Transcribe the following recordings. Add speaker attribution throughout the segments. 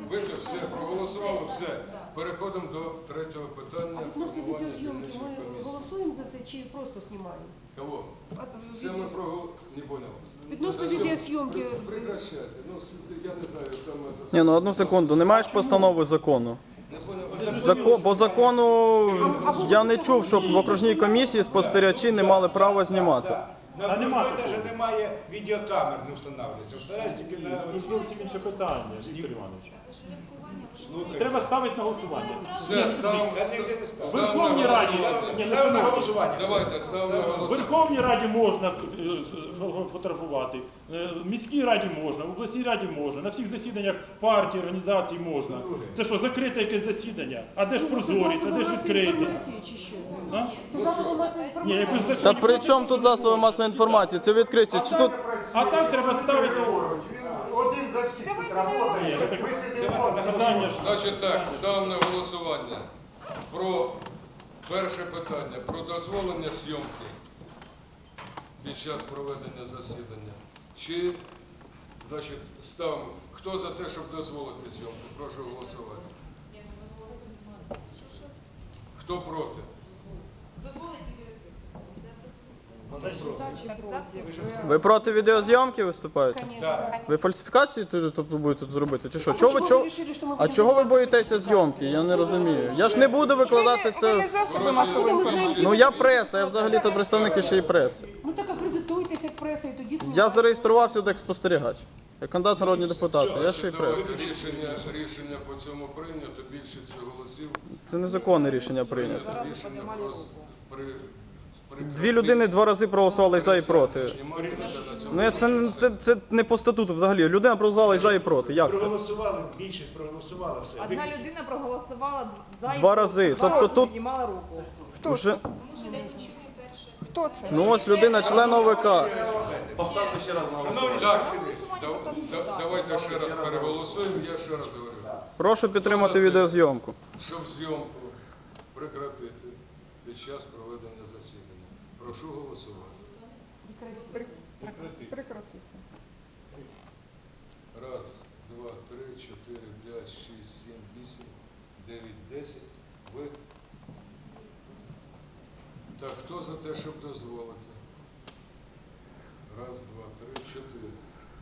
Speaker 1: Вийде, все, проголосували, все. Переходимо до третього питання.
Speaker 2: А відносно відеозйомки ми голосуємо за це чи просто знімаємо?
Speaker 1: Кого? Це ми не понял.
Speaker 2: Відносно відеозйомки.
Speaker 1: Прекращайте. Ну, я не знаю, там це...
Speaker 3: Ні, ну одну секунду, не маєш постанови закону?
Speaker 1: Не понял.
Speaker 3: По закону я не чув, щоб в окружній комісії спостерігачі не мали права знімати.
Speaker 4: На немає навіть немає відеокамер, не встановлюється.
Speaker 5: Тут зовсім інше питання, Віктор Іванович. Треба ставити на голосування.
Speaker 1: Все, ставимо
Speaker 5: В Верховній Раді,
Speaker 4: на голосування.
Speaker 1: Давайте, ставимо на
Speaker 5: в
Speaker 1: голосування.
Speaker 5: Верховній Раді можна фотографувати, в міській раді можна, в обласній раді можна, на всіх засіданнях партій, організацій можна. Це що, закрите якесь засідання? А де ж прозорість, а де ж відкритість? Ні, якби закон...
Speaker 3: Та при чому тут засоби масової інформації? Це відкриті. Чи тут...
Speaker 5: А так треба ставити...
Speaker 4: Один за всіх тут працює.
Speaker 1: Значить так, ставимо на голосування про перше питання, про дозволення зйомки під час проведення засідання. Чи, значить, ставимо, хто за те, щоб дозволити зйомку? Прошу голосувати. Хто проти?
Speaker 3: Ви проти відеозйомки виступаєте? Ви фальсифікації тут будете робити? Чи що? А чого ви боїтеся зйомки? Я не розумію. Я ж не буду викладати
Speaker 6: Ви не
Speaker 3: це...
Speaker 6: засоби масової інформації.
Speaker 3: Ну я преса, я взагалі-то представник ще й преси.
Speaker 2: Ну так акредитуйтеся як преса і тоді
Speaker 3: Я
Speaker 2: знімайте.
Speaker 3: зареєструвався як спостерігач. Як кандидат народні депутати, я ще й преса.
Speaker 1: Давайте рішення по цьому прийнято, більшість голосів.
Speaker 3: Це незаконне рішення прийнято.
Speaker 1: Рішення
Speaker 3: Дві людини два рази проголосували за і проти. Ну це не по статуту взагалі. Людина проголосувала і за і проти. Як це?
Speaker 4: Проголосували, більшість проголосувала, все.
Speaker 7: Одна людина проголосувала за і
Speaker 3: Два рази. Тобто тут
Speaker 7: піднімала руку.
Speaker 6: Хто
Speaker 3: вже...
Speaker 6: це? Хто це?
Speaker 3: Ну ось людина, член ОВК.
Speaker 1: Так, давайте ще раз переголосуємо, я ще раз говорю.
Speaker 3: Прошу підтримати відеозйомку.
Speaker 1: Щоб зйомку прекратити під час проведення засідання. Прошу голосувати.
Speaker 6: Прекратити.
Speaker 1: Раз, два, три, чотири, п'ять, шість, сім, вісім, дев'ять, 10. Ви? Так, хто за те, щоб дозволити? Раз, два, три, чотири.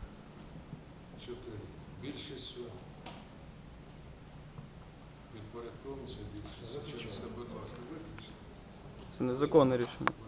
Speaker 1: Більшістю. Підпорядковуємося більшістю. Через це, будь ласка, виключно.
Speaker 3: Це незаконне рішення.